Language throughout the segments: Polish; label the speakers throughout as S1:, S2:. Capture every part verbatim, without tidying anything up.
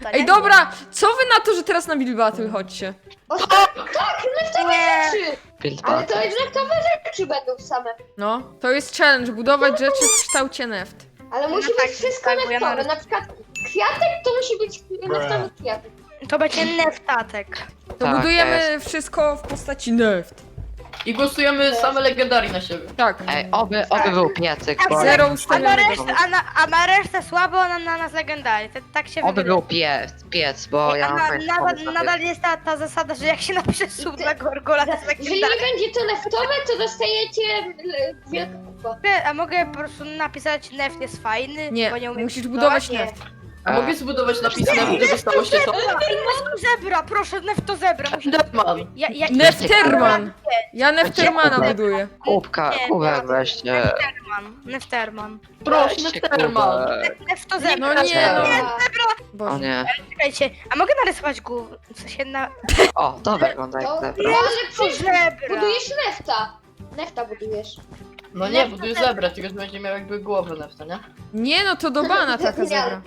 S1: nefta, nie?
S2: Ej, dobra, co wy na to, że teraz na Build Battle chodźcie?
S3: O, tak, tak, neftowe
S1: Nie.
S3: rzeczy!
S4: Build
S3: Ale
S4: battle.
S3: to jest neftowe rzeczy będą same.
S2: No, to jest challenge, budować rzeczy w kształcie neft.
S3: Ale musi
S1: No tak,
S3: być wszystko
S1: tak, bo ja
S3: neftowe.
S1: nawet-
S3: Na przykład kwiatek to musi być neftowy kwiatek.
S1: To będzie neftatek.
S2: To
S4: Tak,
S2: budujemy
S4: jest.
S2: wszystko w postaci neft.
S5: I głosujemy same legendarii na siebie.
S2: Tak.
S4: Ej, oby, oby był piecyk, bo...
S2: Zero
S1: A na
S2: ustawionego.
S1: resztę, a na, a na resztę słabo, a na, na nas legendary. Tak, tak się
S4: Oby
S1: wygrywa.
S4: był piec, piec, bo
S1: Ej,
S4: ja
S1: a
S4: mam
S1: na,
S4: fajny
S1: nadal,
S4: pomysł na
S1: nadal jest ta, ta zasada, że jak się napisze sub na Gorgola, to jest
S3: Jeżeli
S1: legendary.
S3: nie będzie to neftowe, to dostajecie e, wielką kupę.
S1: A mogę po prostu napisać neft jest fajny,
S2: Nie,
S1: bo nie umiem
S2: musisz budować
S1: Nie.
S2: neft.
S5: A
S4: A.
S5: mogę zbudować napis na że zostało się to?
S1: Nefto zebra, proszę, nefto zebra. Musi...
S5: Deadman.
S1: Ja, ja,
S2: Nefterman! Ja Neftermana buduję.
S4: Kubka,
S1: Nie,
S4: kubek
S1: nie.
S4: weźcie.
S1: Nefterman, Nefterman.
S5: Proszę,
S4: Weźcie
S5: Nefterman.
S4: kubek.
S1: Nefto zebra.
S2: No nie, no.
S4: O
S2: Boże.
S4: nie.
S1: Czekajcie, a mogę narysować głowę? W sensie na...
S4: O, to wygląda jak
S3: To,
S4: zebra.
S3: no ale przecież
S1: Zebra.
S3: budujesz nefta. Nefta budujesz.
S5: No nie, buduję zebrę, tylko że będzie miał jakby głowę nefta, nie?
S2: Nie no, to do bana taka zebra.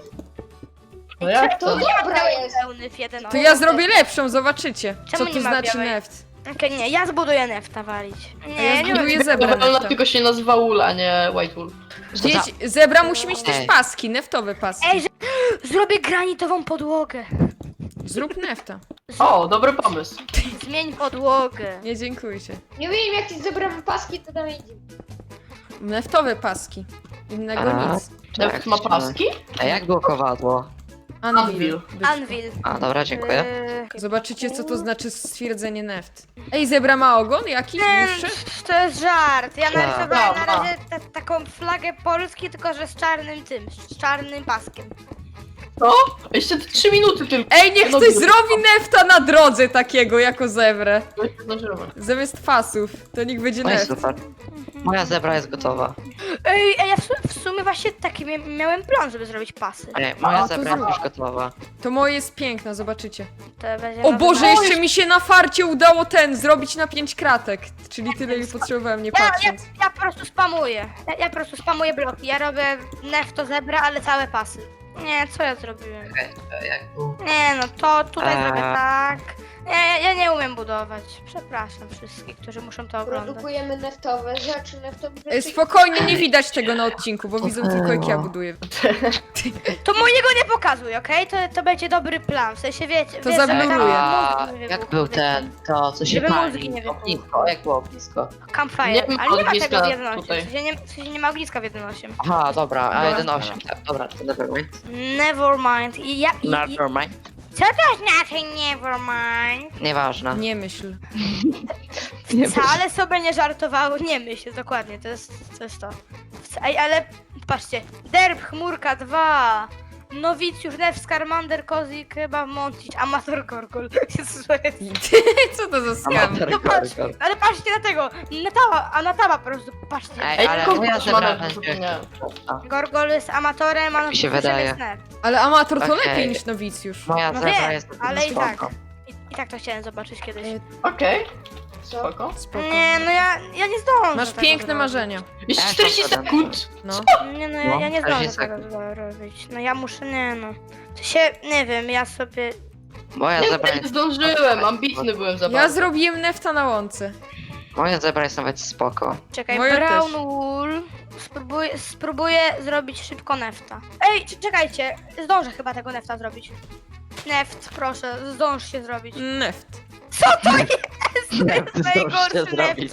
S5: No jak
S3: To
S5: to?
S3: dobra jest.
S1: Pełny w jeden
S2: To ja zrobię lepszą, zobaczycie.
S1: Czemu
S2: Co
S1: nie
S2: to
S1: ma
S2: znaczy
S1: białej?
S2: neft.
S1: Okej, nie, ja zbuduję nefta walić.
S2: A
S1: Nie,
S2: ja
S1: nie
S2: zbuduję
S1: wiem.
S2: zebrę
S5: Ona
S2: nefta.
S5: tylko się nazywa Wool, a nie White Wool.
S2: Dzieci, zebra musi mieć też
S4: Ej.
S2: paski, neftowe paski.
S1: Ej, że... zrobię granitową podłogę.
S2: Zrób nefta.
S5: O, dobry pomysł.
S1: Zmień podłogę.
S2: Nie dziękuję.
S3: Nie wiem, jak ci zebrałem paski, to tam idzie.
S2: Neftowe paski. Innego
S4: A,
S2: nic.
S5: Neft ma paski?
S4: A jak było kowadło?
S2: Anvil.
S5: Anvil.
S1: Anvil.
S4: A, dobra, dziękuję.
S1: Yy,
S2: Zobaczycie, co to znaczy stwierdzenie neft. Ej, zebra ma ogon jakiś
S1: Nie,
S2: dłuższy?
S1: to jest żart. Ja narysowałem na
S5: Dobra.
S1: razie ta, taką flagę Polski, tylko że z czarnym tym, z czarnym paskiem.
S5: Co? Jeszcze trzy minuty tylko.
S2: Ej, niech
S5: No
S2: ktoś
S5: dobra.
S2: zrobi nefta na drodze takiego, jako zebrę.
S5: No i zdążymy.
S2: Zamiast fasów, to niech będzie
S4: No i
S2: neft.
S4: super. Moja zebra jest gotowa.
S1: Ej, a ja w, su- w sumie właśnie taki mia- miałem plan, żeby zrobić pasy.
S4: Ej, moja
S2: A, to
S4: zebra jest
S2: zrób.
S4: już gotowa.
S2: To moje jest piękne, zobaczycie.
S1: To będzie
S2: O
S1: nowy-
S2: Boże,
S1: O,
S2: jeszcze mi się na farcie udało ten, zrobić na pięć kratek. Czyli tyle, ile potrzebowałem, nie
S1: Ja, ja,
S2: patrząc.
S1: ja po prostu spamuję. Ja, ja po prostu spamuję bloki. Ja robię nefto zebra, ale całe pasy. Nie, co ja zrobiłem?
S4: Okej, to jak był?
S1: Nie no, to tutaj
S4: Eee.
S1: zrobię tak. Nie, ja nie umiem budować. Przepraszam wszystkich, którzy muszą to oglądać.
S3: Produkujemy neftowe rzeczy, neftowe
S2: Ej,
S3: rzeczy.
S2: Spokojnie, nie widać tego na odcinku, bo widzą tylko jak ja buduję.
S1: To mojego nie pokazuj, okej? To, to będzie dobry plan. W sensie wiecie.
S2: To
S1: wiesz, żeby
S2: zabluruję.
S1: tam
S4: A,
S1: mózgi nie
S4: jak
S1: wybuchły,
S4: był
S1: wiecie.
S4: ten, to co się
S1: Żeby mózgi
S4: pali?
S1: nie wybuchły.
S4: Ognisko, jak było ognisko?
S1: Campfire.
S5: Nie ma
S1: Ale nie ma
S5: ogniska
S1: tego w jeden osiem.
S5: tutaj.
S1: W sensie nie, w sensie nie ma ogniska w jeden osiem.
S4: Aha, dobra, a
S5: Dobra.
S4: jeden osiem, tak, dobra, to nevermind.
S1: Nevermind. I ja. I, i,
S4: Nevermind.
S1: co to znaczy nevermind?
S4: Nieważne.
S2: Nie myśl.
S4: Nie
S1: Wcale sobie nie żartowały, nie myśl, dokładnie, to jest to. Jest to. Wca- Ej, ale patrzcie, Derb, Chmurka dwa, Nowicjusz, Nef, Skarmander, Kozik, chyba Montić, Amator, Gorgol. Jezus, to jest-
S2: Co to za skam?
S4: Amator,
S1: No patrz,
S4: Gorgol.
S1: ale patrzcie na tego, Natała, a Natała po prostu, patrzcie.
S4: Ej,
S5: Ej,
S4: ale
S5: kogo
S4: moja
S5: masz
S4: zebra
S5: manewr
S4: będzie...
S5: zupełnie?
S1: Gorgol jest amatorem, a
S4: Mi się
S1: Nowicjuszem
S4: wydaje.
S1: jest Nef.
S2: Ale amator to
S4: Okej.
S2: lepiej niż nowicjusz.
S4: Moja
S1: No
S4: zebra
S1: wiem,
S4: jest
S1: ale i tak.
S4: spoko.
S1: I, I tak to chciałem zobaczyć kiedyś.
S2: Ej,
S5: Okej,
S3: Co?
S5: spoko.
S2: Spoko.
S1: Nie, no ja, ja nie zdążę
S2: Masz
S1: tego
S2: piękne
S1: zrobić.
S2: marzenia.
S5: Jeszcze
S4: Ja
S5: czterdzieści
S4: to zadam.
S5: sekund.
S2: No.
S1: Nie no, ja,
S4: No,
S1: ja nie
S4: czterdzieści
S1: zdążę tego
S4: sekund.
S1: robić. No ja muszę, nie no. To się, nie wiem, ja sobie...
S4: Moja
S5: Nie,
S4: zebra
S5: nie
S4: jest...
S5: zdążyłem, ambitny byłem za
S2: Ja
S5: bardzo.
S2: zrobiłem nefta na łące.
S4: Moja zebra jest nawet spoko.
S1: Czekaj,
S2: Moja
S1: brown
S2: też.
S1: wool. Spróbuję, spróbuję zrobić szybko nefta. Ej, c- czekajcie, zdążę chyba tego nefta zrobić. Neft, proszę, zdąż się zrobić.
S2: Neft.
S1: Co to jest?
S4: Neft, zdążysz się
S1: najgorszy
S4: zrobić.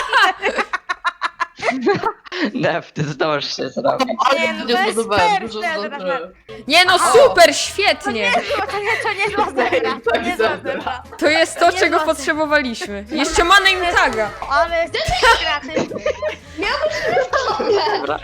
S4: Neft, zdążysz się zrobić.
S5: Ale
S1: Nie, no
S5: nie
S1: to jest
S5: zbudowałem, dużo
S1: perfekt,
S5: zdążyłem.
S2: Nie no,
S1: Aha.
S2: super, świetnie!
S1: To nie, to nie zła zebra, to nie zła zebra.
S2: To jest to,
S1: Nie
S2: czego
S1: złapie.
S2: potrzebowaliśmy. Jeszcze ma name taga.
S1: Ale jest kreatywny.
S4: Dobra.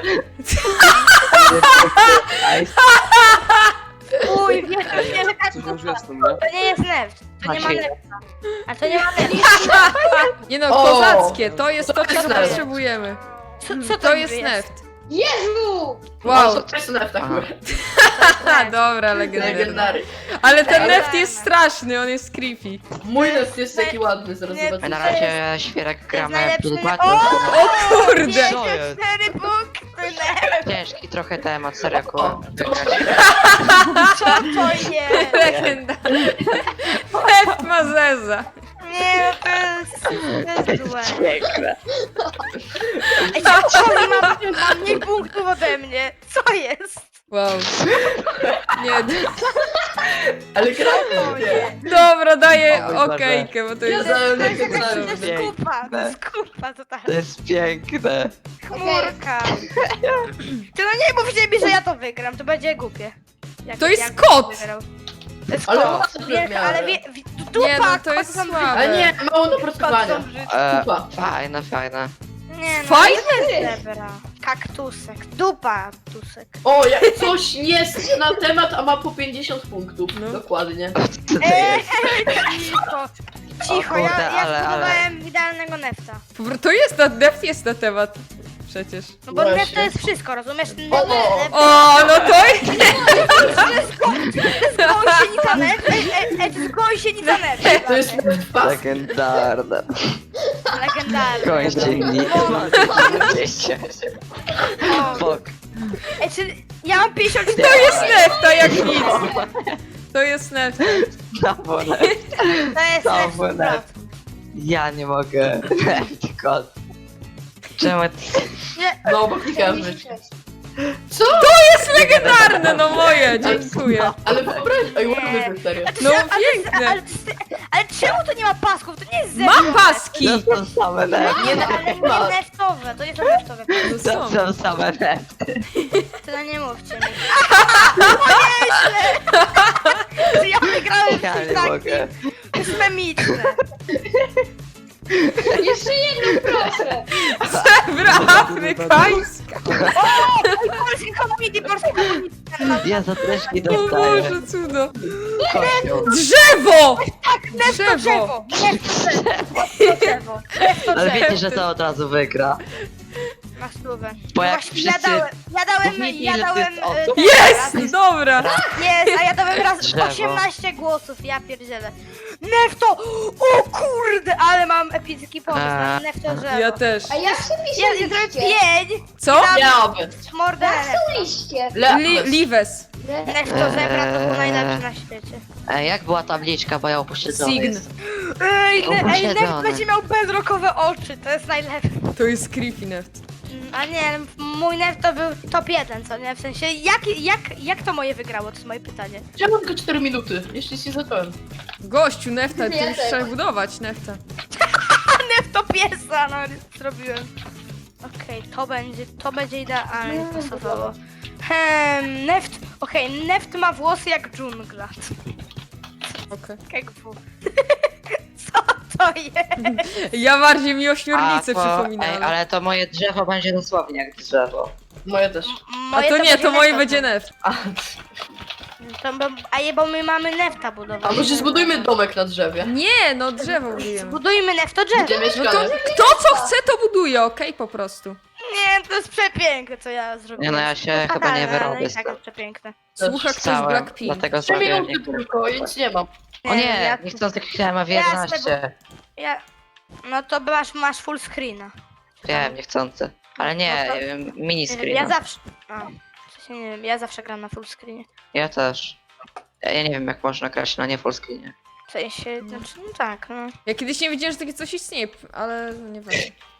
S1: Uj, wiesz, to nie, że tak
S6: Coś już
S1: to,
S6: jestem, nie?
S1: to nie jest neft, to nie ma
S4: Maciej.
S1: nefta. A to nie ma nefta.
S2: Nie no,
S5: O!
S2: kozackie, to jest to,
S5: To
S2: czego
S5: jest neft.
S2: potrzebujemy.
S1: Co, co
S2: To
S1: to
S2: jest neft.
S3: Jezu!
S2: Wow,
S5: To jest neft akurat.
S2: ha, dobra, legendarny.
S5: Legendary.
S2: Ale ten
S1: Ej,
S2: neft
S1: ale-
S2: jest straszny, on jest creepy.
S5: Mój neft jest taki ładny, zaraz
S1: Nie,
S4: My
S5: zobaczycie.
S4: na razie świerek gramy
S1: najlepszy-
S4: Blue
S1: O!
S4: Battle.
S2: O kurde!
S4: Co jest?
S1: cztery punkty! Neft,
S4: Ciężki trochę temat, serio,
S5: O,
S4: kurwa.
S1: co to jest?
S2: Legenda. Neft ma zeza.
S1: Nie, no to jest, to jest złe.
S4: Piękne.
S1: Ej, czemu Kozi ma, ma mniej punktów ode mnie? Co jest?
S2: Wow. Nie, d-
S5: Ale
S1: O
S5: gramy,
S1: nie.
S2: dobra, daję
S4: O mój Boże.
S2: okejkę, bo to
S5: Ja
S2: jest...
S5: za-
S1: To jest jakaś
S5: to
S1: to jest
S4: jest
S1: kupa, to jest kupa
S4: To
S1: totalna.
S4: jest piękne.
S1: Chmurka. Ty no nie mówcie mi, że ja to wygram, to będzie głupie. Jak,
S2: To jest
S1: jak
S2: kot!
S1: wygrał. To jest
S5: Ale
S1: kot.
S5: mocno
S1: Wie,
S5: miałem.
S1: ale wie, wie, dupa,
S2: Nie, no, to
S1: kot
S2: jest
S1: są
S2: słabe.
S5: Ale nie, mało
S1: Kot są
S5: dopracowania.
S1: brzydkie.
S4: E,
S5: Kupa.
S4: fajne, fajne.
S1: Nie no,
S2: Fajne?
S1: to jest zebra. Kaktusek, dupa, tusek.
S5: O, jak coś jest na temat, a ma po pięćdziesiąt punktów.
S2: No.
S5: Dokładnie.
S4: Co to
S1: Eee,
S4: jest?
S1: cicho, cicho,
S4: O
S1: ja,
S4: kurde,
S1: ja
S4: ale-
S1: zbudowałem idealnego nefta.
S2: To jest na, Neft jest na temat. Przecież.
S1: No bo
S5: Właśnie.
S1: neft to jest wszystko, rozumiesz? Neft,
S5: O, o.
S1: neft,
S2: O, no to jest...
S1: gąsienica neft, ej, ej, ej, to jest gąsienica neft.
S5: To jest pas.
S4: Legendarne.
S1: Legendarny.
S4: Kończyni.
S1: O,
S4: Bok.
S1: ej, czy ja mam pięćdziesiąt cztery.
S2: To jest Nefta jak nic. To jest Nefta.
S4: Znowu neft.
S1: To jest
S4: Znowu
S1: neft.
S4: neft. Ja nie mogę. Neft, kot. Czemu ty...
S1: Nie,
S5: No, bo klikałem myszkę. Co?
S2: To jest legendarne, no moje, dziękuję.
S5: Ale wyobraź... Ej,
S1: Nie.
S5: ładny serio.
S2: No
S1: ale,
S2: piękne.
S1: ale, ale czemu to nie ma pasków? To nie jest zebra.
S2: Ma paski.
S4: To są same nefty.
S5: Nie,
S1: Nie,
S5: no,
S1: ale
S5: ma.
S1: nie neftowe, to nie są neftowe.
S2: To
S4: To
S2: są.
S4: są same nefty.
S1: To nie mówcie mi. O nieźle! Że ja wygrałem
S4: Ja
S1: w
S4: nie
S1: tym takim.
S4: mogę.
S1: To jest memiczne.
S3: Jeszcze jedną proszę.
S2: Zebra afrykańska.
S1: O! Polski community, polski community.
S4: Ja za też nie
S2: O
S4: dostaję.
S2: Boże, cudo.
S4: Kościół.
S2: Drzewo!
S1: Neft to drzewo. Neft to drzewo. Neft to drzewo. Neft to
S4: Ale
S1: drzewo.
S4: wiecie, że to od razu wygra.
S1: Na stówę.
S4: Bo
S1: No
S4: jak
S1: właśnie, ja
S4: wszyscy-
S1: dałem, ja dałem,
S4: Mówcie,
S1: ja
S4: ile to
S1: dałem...
S4: jest osób.
S1: e,
S2: Jest! Dobra.
S1: Jest, a ja dałem raz
S4: Drzewo.
S1: osiemnaście głosów, ja pierdzielę. Nefto! O kurde, ale mam epicki pomysł na
S4: A.
S1: Nefto drzewo.
S2: Ja też.
S3: A jak się
S1: Ja,
S3: pisze
S1: ja zrobię
S3: liście?
S1: pięć,
S2: Co?
S5: Miałoby.
S1: mordę
S3: Jak
S1: Nefto.
S3: są liście?
S2: Li Lives.
S1: Nefto zebra to był najlepszy na świecie.
S4: Ej, jak była tabliczka, bo ja upośledzony
S2: Sign.
S4: jest.
S1: Ej, ne, ej
S4: Upośledzony.
S1: Neft będzie miał bedrockowe oczy, to jest najlepsze.
S2: To jest creepy Neft.
S1: Mm, A nie, mój Neft to był top jeden, co nie? W sensie, jak, jak, jak to moje wygrało, to jest moje pytanie.
S5: Czemu tylko cztery minuty? Jeszcze się zacząłem.
S2: Gościu, Nefta, to
S3: Ja
S2: już
S3: też.
S2: trzeba budować Nefta.
S1: A Neft to piesa, no zrobiłem. Okej, to będzie, to będzie idealnie pasowało. Hmm, Neft, okej, Neft ma włosy jak dżungla.
S2: Okej.
S1: Jak w. Co to jest?
S2: Ja bardziej mi ośmiornicę
S4: A, to-
S2: przypominam.
S4: Ej, ale to moje drzewo będzie dosłownie jak drzewo.
S5: Moje też.
S2: A
S1: Moje
S2: to nie, to moje
S1: Nefta.
S2: będzie Neft.
S1: To, bo, a je, bo my mamy Nefta
S5: A
S1: budować.
S5: może zbudujmy domek na drzewie.
S2: Nie, no drzewo budujemy.
S1: Budujmy Nefto drzewo.
S5: Gdzie
S2: No to
S5: mieszkamy?
S2: kto co chce, to buduje, okej, po prostu.
S1: Nie, to jest przepiękne, co ja zrobiłem.
S4: Nie no, ja się
S1: To
S4: chyba nie
S1: fatalne, ale
S4: wyrobię
S1: i
S4: z
S1: tak
S4: tym.
S1: jest przepiękne.
S2: Słucha ktoś
S4: Całe,
S2: Blackpink.
S4: dlatego
S5: Trzy
S4: zrobiłem
S5: minuty
S4: niektóre.
S5: tylko i nic nie mam.
S4: O nie,
S1: ja,
S4: niechcący kliknąłem F
S1: Ja z
S4: jedenaście.
S1: ja, no to masz, masz full screena.
S4: Wiem, niechcący. Ale nie,
S1: No to-
S4: y, mini
S1: Ja
S4: screen.
S1: zawsze. A, w sensie nie wiem, ja zawsze gram na full screenie.
S4: Ja też. Ja ja nie wiem jak można grać na nie full screenie.
S1: W sensie, znaczy, no tak, no.
S2: Ja kiedyś nie wiedziałem, że takie coś istnieje, ale nie wiem.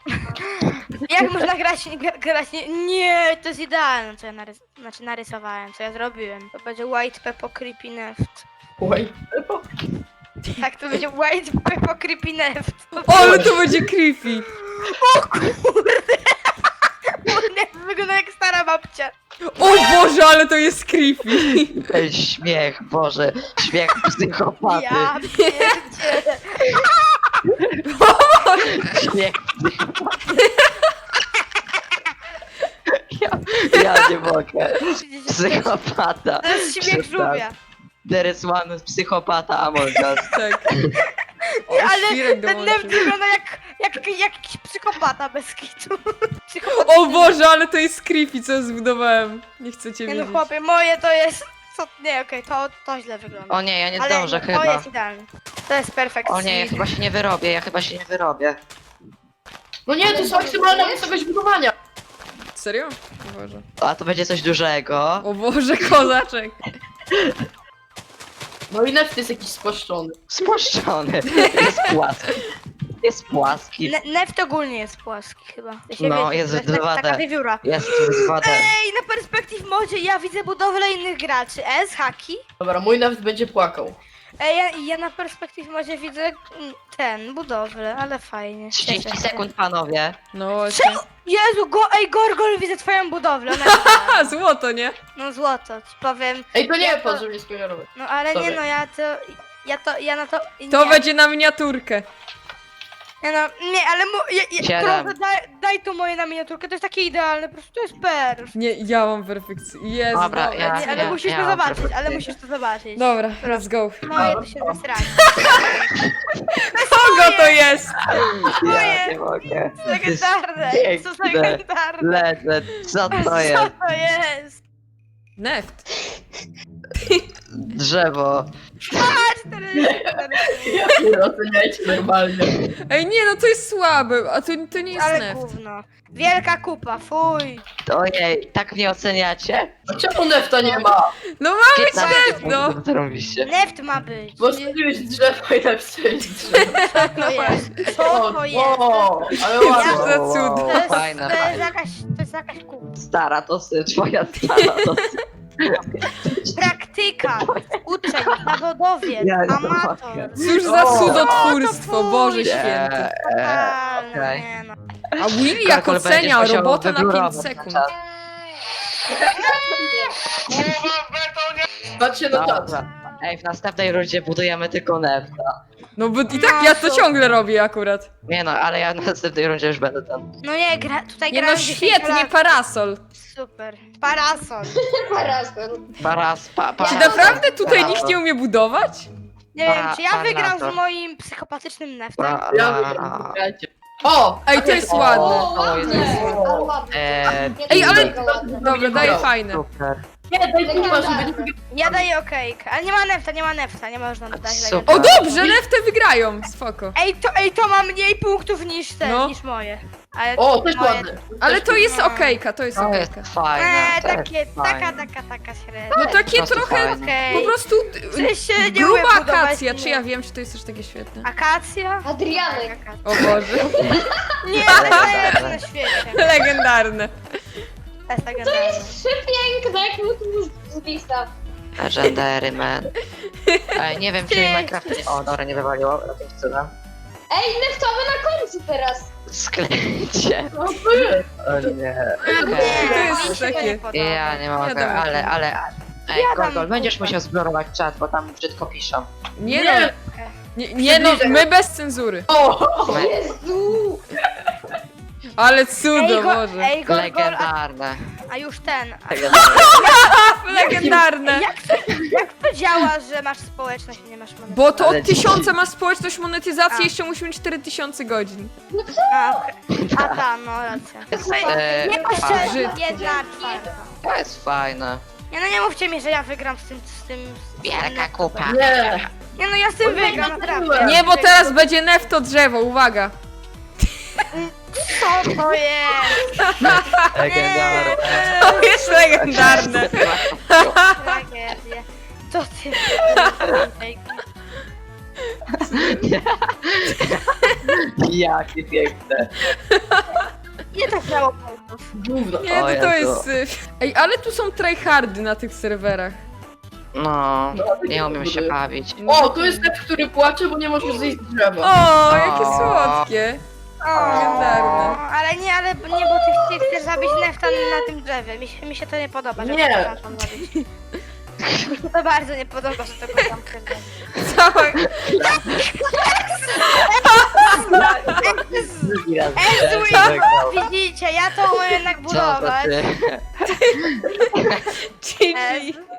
S1: Jak można grać, gra- grać nie, nie, to jest idealne, co ja narys znaczy narysowałem, co ja zrobiłem. To będzie White Peppo Creepy Neft.
S5: Oj.
S1: Tak, to będzie White Peppo Creepy Neft.
S2: O, ale to będzie creepy.
S1: Neft wygląda jak stara babcia.
S2: O Boże, ale to jest creepy.
S4: Ej, śmiech, Boże, śmiech psychopaty.
S1: Ja pierdzielę.
S4: Śmiech psychopaty. Ja, ja nie mogę. Psychopata.
S1: To jest śmiech
S4: Przestań.
S1: żółwia.
S4: There is one psychopata among us.
S2: Tak. O,
S1: Ale
S2: świrek
S1: ten
S2: dołączył.
S1: Neft wygląda jak, jak, jak jakiś psychopata bez kitu. Psychopata.
S2: O Boże, ale to jest creepy, co zbudowałem. Nie chcecie
S1: Nie no
S2: wiedzieć.
S1: chłopie, moje to jest... Co? Nie, okej, to, to źle wygląda.
S4: O nie, ja nie
S1: Ale
S4: zdążę
S1: to
S4: chyba.
S1: jest idealne. To jest perfekt.
S4: O nie, ja chyba się nie wyrobię, ja chyba się nie wyrobię.
S5: No nie, to jest maksymalna wysokość budowania.
S2: serio? O Boże.
S4: A to będzie coś dużego.
S2: O Boże, kozaczek.
S5: No i neft jest jakiś spłaszczony.
S4: Spłaszczony. Jest płaski. Jest płaski.
S1: Ne Neft ogólnie jest płaski chyba. To się
S4: No,
S1: wiecie,
S4: jest
S1: to jest tak-
S4: dwa D.
S1: taka wiewióra.
S4: Jest z wodę.
S1: Ej, na Perspective Modzie ja widzę budowlę innych graczy. S, haki.
S5: Dobra, mój neft będzie płakał.
S1: Ej, ja, ja na Perspective Modzie widzę mm, ten, budowlę, ale fajnie. Cieszę
S4: trzydzieści
S1: się.
S4: sekund, panowie.
S2: No właśnie.
S1: Czemu? Jezu, go, ej, Gorgol, widzę twoją budowlę. Ona
S2: Ha, złoto, nie?
S1: no złoto, ci powiem.
S5: Ej, to nie
S1: Ja
S5: pan,
S1: to-
S5: żeby nie spoilerować.
S1: No ale nie
S5: Sorry.
S1: no, ja to, ja to, ja na to,
S2: To
S1: nie.
S2: będzie na miniaturkę.
S1: Nie no, nie, ale mu, ja, ja,
S4: Siedem.
S1: proszę, daj, daj tu moje na miniaturkę, to jest takie idealne, po prostu to jest perfekt.
S2: Nie, ja mam perfekcję. Jezu,
S4: Dobra,
S2: dobra.
S4: ja-
S1: Nie, ale
S4: ja-
S1: musisz
S4: ja
S1: to
S4: mam
S1: zobaczyć,
S4: perfekcję.
S1: ale musisz to zobaczyć.
S2: Dobra, let's go.
S1: Moje to się zesranie.
S2: Kogo to jest?
S4: Ja nie mogę.
S1: Legendarne, co za
S4: piękne.
S1: legendarne.
S4: Ledle, co to
S1: Co
S4: jest?
S1: to jest?
S2: Neft.
S4: Drzewo.
S1: Patrz, to jest...
S5: Ja nie oceniajcie normalnie.
S2: Ej, nie, no to jest słabe, a to, to nie jest
S1: Ale
S2: neft.
S1: gówno. Wielka kupa, fuj.
S4: Ojej, tak mnie oceniacie?
S5: A czemu nefta nie ma?
S2: No ma być
S4: piętnaście
S2: neft, no.
S4: punktów zrobiliście.
S1: Neft ma być.
S5: Bo strzeliłeś drzewo i napisałeś drzewo.
S1: Co to jest? Co to jest?
S5: O, ale
S2: Jezu,
S5: ładnie.
S2: za cud.
S1: To jest,
S4: Fajne,
S1: to jest
S4: fajne.
S1: jakaś, to jest jakaś kupa.
S4: Stara to sy, twoja stara to sy.
S1: Praktyka, uczeń, zawodowiec,
S4: Ja nie
S1: amator.
S4: mogę.
S2: Cóż za
S5: O,
S2: cudotwórstwo,
S1: to
S2: Boże
S1: pójdzie.
S2: święty.
S4: Eee,
S1: Totalne,
S4: okej.
S1: nie no.
S2: A Willy jak
S4: Karol, będziesz
S2: ocenia
S4: musiał
S2: robotę na pięć
S4: wyblurować
S2: sekund.
S4: czas.
S5: Patrzcie na czas.
S4: Dobra. Ej, w następnej rundzie budujemy tylko nefta.
S2: No bo i tak ja to ciągle robię akurat.
S4: Nie no, ale ja w następnej rundzie już będę ten.
S1: No nie, gra, tutaj
S2: Nie no
S1: grałem dziesięć
S2: świetnie,
S1: lat.
S2: parasol.
S1: Super. Parasol.
S3: Parasol.
S4: Paras, pa, pa,
S2: Czy
S1: Ja-
S2: naprawdę tutaj nikt nie umie budować?
S1: Nie wiem,
S4: Pa-
S1: czy ja wygram
S4: parasol.
S1: z moim psychopatycznym neftem.
S4: pa,
S5: Ja
S4: pa,
S5: wygram, grajcie. O!
S2: Ej, to jest
S5: O,
S2: ładne.
S3: O,
S4: O, jest
S3: ładne.
S5: ładne.
S3: Ale ładne.
S4: Eee,
S2: Ej, ale-
S3: Mega ładne.
S2: Dobra, daję fajne.
S4: Super.
S5: Nie, daj kurwa, żeby nie...
S1: Ja daję okejkę, ale nie ma nefta, nie ma nefta, nie można dodać
S4: Super.
S2: O
S1: legendy.
S2: dobrze, nefty wygrają, spoko.
S1: Ej, to, ej, to ma mniej punktów niż ten,
S2: No.
S1: niż moje. Ale
S5: O, też
S1: moje...
S5: ładne.
S2: Ale to jest
S1: No.
S2: okejka, to jest
S4: To jest
S2: okejka.
S4: fajne.
S1: Eee,
S4: to jest
S1: takie,
S4: fajne.
S1: taka, taka, taka średnia.
S2: No takie
S4: prostu
S2: trochę
S4: fajne.
S1: Okej.
S2: po prostu
S1: Ty się nie
S2: gruba
S1: umiem budować,
S2: akacja,
S1: nie.
S2: czy ja wiem, czy to jest też takie świetne?
S1: Akacja?
S3: Adrianek.
S1: Akacja.
S2: O Boże,
S1: Nie, to jest najlepsze na świecie.
S2: legendarne.
S1: To jest legendarne.
S3: Przepiękne, jak mu z lista.
S4: Legendary man. Ej, nie wiem, czy
S1: Ty.
S4: Minecraft... O, dobra, nie wywaliło. Jakimś cudem.
S3: Ej, neftowy na końcu teraz.
S4: Sklejcie.
S5: No to jest.
S4: O nie.
S1: Nie,
S4: Okej.
S2: To jest
S1: mi się
S2: takie-
S1: nie podoba.
S4: Ja nie mogę,
S2: Wiadomo.
S4: ale, ale... Ej,
S1: Ja dam
S4: Gorgol, będziesz
S1: kupę.
S4: musiał zblurować czat, bo tam brzydko piszą.
S2: Nie
S5: Nie.
S2: no, nie, nie no, my bez cenzury.
S5: O!
S3: Jezu.
S2: Ale
S1: Ej,
S2: cudo,
S1: go,
S2: Boże.
S1: ej, Gorgol, a,
S4: Legendarne.
S1: a już ten. A,
S2: Legendarne.
S1: jak, to, jak to działa, że masz społeczność, a nie masz monetyzacji?
S2: Bo to
S4: Ale
S2: od tysiąca ma społeczność monetyzacji,
S1: A.
S2: jeszcze musimy mieć cztery tysiące godzin.
S1: A, okej. A ta, no racja.
S4: Jest,
S1: To
S4: e,
S1: nie
S4: fajne.
S1: pośrednio, jedna czwarta.
S4: To jest fajne.
S1: Nie no nie mówcie mi, że ja wygram z tym, z tym... Z tym
S4: Wielka kupa.
S5: Nie!
S1: Nie no ja z tym
S5: O, nie,
S1: wygram,
S5: no,
S1: naprawdę.
S5: nie.
S2: Nie, bo teraz będzie nefto drzewo, uwaga.
S1: Co to jest?
S4: Legendarne.
S2: To jest legendarne.
S1: Tragedia. Co ty?
S4: Jakie piękne.
S1: Nie tak miało punktów.
S5: Gówno.
S2: Nie,
S4: O
S2: to, to
S4: Jezu.
S2: jest... y, Ej, ale tu są tryhardy na tych serwerach.
S4: No, nie umiem się bawić.
S5: O, to jest neft, który płacze, bo nie może zejść z drzewa.
S2: O, jakie
S4: O.
S2: słodkie.
S1: O,
S2: Legendarne.
S1: ale nie, ale nie, bo ty, ty chcesz zabić nefta na tym drzewie. Mi się, mi się to nie podoba, że
S5: Nie.
S1: to tam zabić. Mi się to bardzo nie podoba, że tego tam chcesz zabić.
S2: Cała...
S4: Drugi raz
S1: Ezu,
S4: widziałem, że wygrał.
S1: Widzicie, ja to umiem jednak
S4: Co to
S1: budować.
S4: ty?
S2: G G.